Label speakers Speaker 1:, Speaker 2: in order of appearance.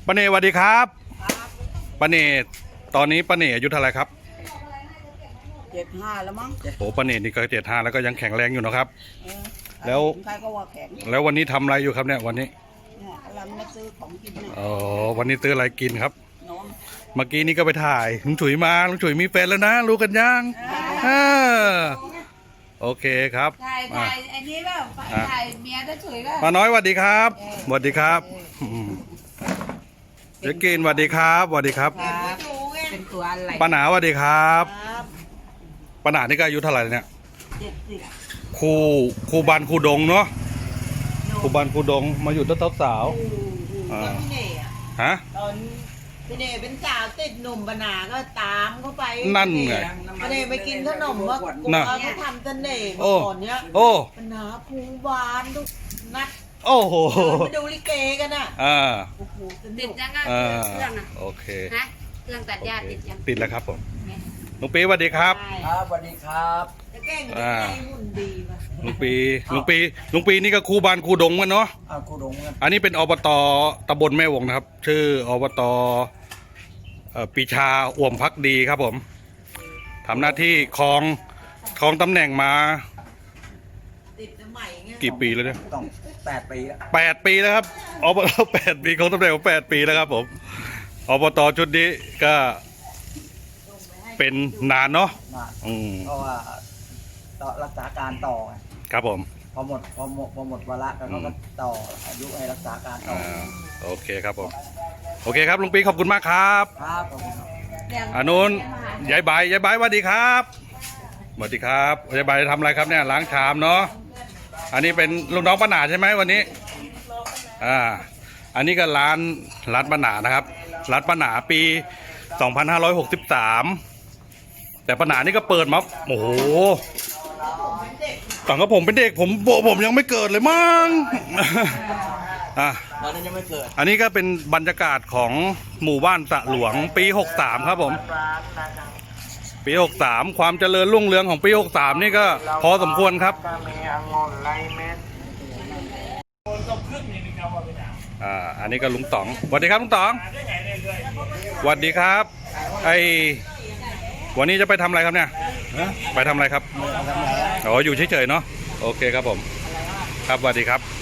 Speaker 1: ป้าเนสวัสดีครับป้าเนสตอนนี้ป้าเนสอายุเท่าไหร่ครับ
Speaker 2: 75แล้วมั้ง
Speaker 1: โอ้ป้าเนสนี่ก็75แล้วก็ยังแข็งแรงอยู่นะครับแล้ว
Speaker 2: ใครก็ว่าแข็ง
Speaker 1: แล้ววันนี้ทำอะไรอยู่ครับเนี่ยวันนี้
Speaker 2: เนี่ยกำลังมาซื้อของกินเนี่ย
Speaker 1: อ๋อวันนี้ซื้ออะไรกินครับ
Speaker 2: น้อง
Speaker 1: เมื่อกี้นี้ก็ไปถ่ายลุงฉุยมาลุงฉุยมีแฟนแล้วนะรู้กันยังโอเคครับ
Speaker 3: ถ่ายอันนี้แบบถ่ายเมียจะฉุยแบบ
Speaker 1: ป้าน้อยสวัสดีครับสวัสดีครับเจ๊กินสวัสดีครับสวัสดีครับ
Speaker 2: เป็นตัวอะไร
Speaker 1: ป้าหนาสวัสดีครับป้าหนานี่ก็อายุเท่าไหร่เนี่ย
Speaker 2: 70
Speaker 1: ครูบันครูดงเนาะครูบันครูดงมาอยู่ตั้งแต่สาว
Speaker 2: พี่เน่
Speaker 1: ฮะ
Speaker 2: ตอนพี่เน่เป็นสาวติดหนุ่มปนาก็ตามเข้าไป
Speaker 1: นั่นไง
Speaker 2: พี่เน่ไปกินขนมว่าเขาทำเสน่ห์ก่อนเนี้ย
Speaker 1: โอ้
Speaker 2: ปนาภูบานทุกนัด
Speaker 1: โอ้โห
Speaker 2: ไปดูลิเกกันอ่ะโอ้โห
Speaker 3: ติดยังไงเครื่องอ่ะ
Speaker 1: โอเค
Speaker 3: ฮะเครื่องตัดหญ้าติดยัง
Speaker 1: ติดแล้วครับผมลุงปีสวัสดีครับ
Speaker 2: ครับสวัสดีครับจะแกล้งใจหุ่นดีป่ะ
Speaker 1: ลุงปีนี่ก็ครูบานครูดงกันเนาะ
Speaker 2: ครูดง
Speaker 1: อันนี้เป็นอบต.ตำบลแม่วงนะครับชื่ออบต.ปีชาอ่วมพักดีครับผมทำหน้าที่ครองตำแหน่งมากี่ปีแล้วเนี่ย
Speaker 2: ต้อง8 ปีแล้ว
Speaker 1: 8 ปีแล้วครับอบต8 ปีของตำแหน่งของ8 ปีแล้วครับผมอบต.ชุดนี้ก็เป็นนานเนาะ
Speaker 2: เพราะว่าต่อรักษาการต่อ
Speaker 1: ครับผม
Speaker 2: พอหมดวาระแล้วก็ต่ออายุให้รักษาการต่อ
Speaker 1: โอเคครับผมโอเคครับลุงปีขอบคุณมากครับ
Speaker 2: ครับ
Speaker 1: อานุนยายใบสวัสดีครับสวัสดีครับยายใบทำอะไรครับเนี่ยล้างชามเนาะอันนี้เป็นลูกน้องป้าหนาใช่ไหมวันนี้อันนี้ก็ร้านป้าหนานะครับร้านป้าหนาปี2563แต่ป้าหนานี่ก็เปิดมาโอ้โหตอนกับผมเป็นเด็กผมยังไม่เกิดเลยมั้ง
Speaker 2: ตอนนั้นยังไม่เกิด
Speaker 1: อันนี้ก็เป็นบรรยากาศของหมู่บ้านสะหลวงปี63ครับผมปี63ความเจริญรุ่งเรืองของปี63นี่ก็พอสมควรครับอันนี้ก็ลุงต๋องสวัสดีครับลุงต๋องสวัสดีครับวันนี้จะไปทำอะไรครับเนี่ยไปทำอะไรครับอ๋ออยู่เฉยๆเนาะโอเคครับผมครับสวัสดีครับ